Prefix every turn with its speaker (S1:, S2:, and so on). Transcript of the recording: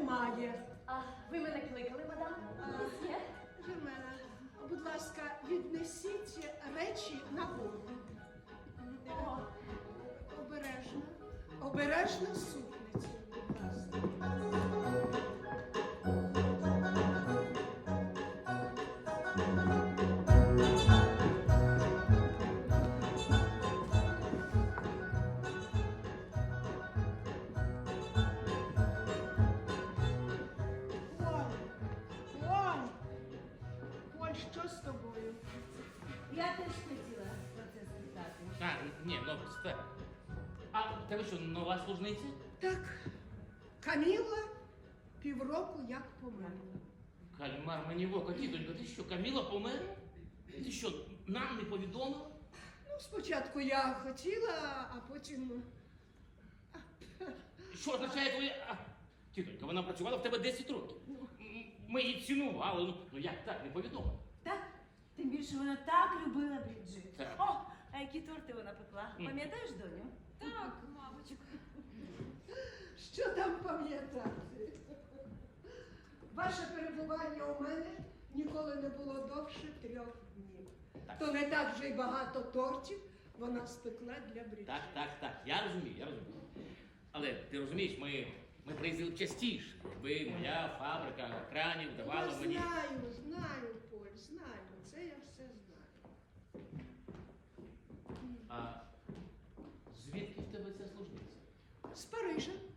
S1: немає.
S2: А ви мене кликали, мадам? Месьє?
S1: Жермена, будь ласка, віднесіть речі на кухню.
S2: О,
S1: Обережно. Обережно супницю, будь ласка. Поль, Поль, що з тобою?
S3: Я теж хотіла про це спитати.
S4: А, ні, ну, сте. А в тебе що, нова служниця?
S1: Так, Каміла півроку як померла.
S4: Кальмар мені в око, тітонько, ти що, Каміла померла? Ти що, нам не повідомила?
S1: Ну, спочатку я хотіла, а потім.
S4: Що означає твоє... Тітонька, вона працювала в тебе 10 років. Ми її цінували, ну як так, не повідомила?
S3: Так, тим більше вона так любила Бріджит.
S4: Так.
S3: О, а які торти вона пекла? Пам'ятаєш, доню?
S2: так, мабуть.
S1: Що там пам'ятати? Ваше перебування у мене ніколи не було довше 3 днів.
S4: Так.
S1: То не так вже й багато тортів вона спекла для Бріджит.
S4: Так, я розумію. Але ти розумієш, ми приїздили частіше. Якби моя фабрика кранів давала
S1: Я
S4: мені...
S1: знаю, Поль, знаю. Це я все знаю.
S4: А звідки в тебе ця служниця?
S1: З Парижа.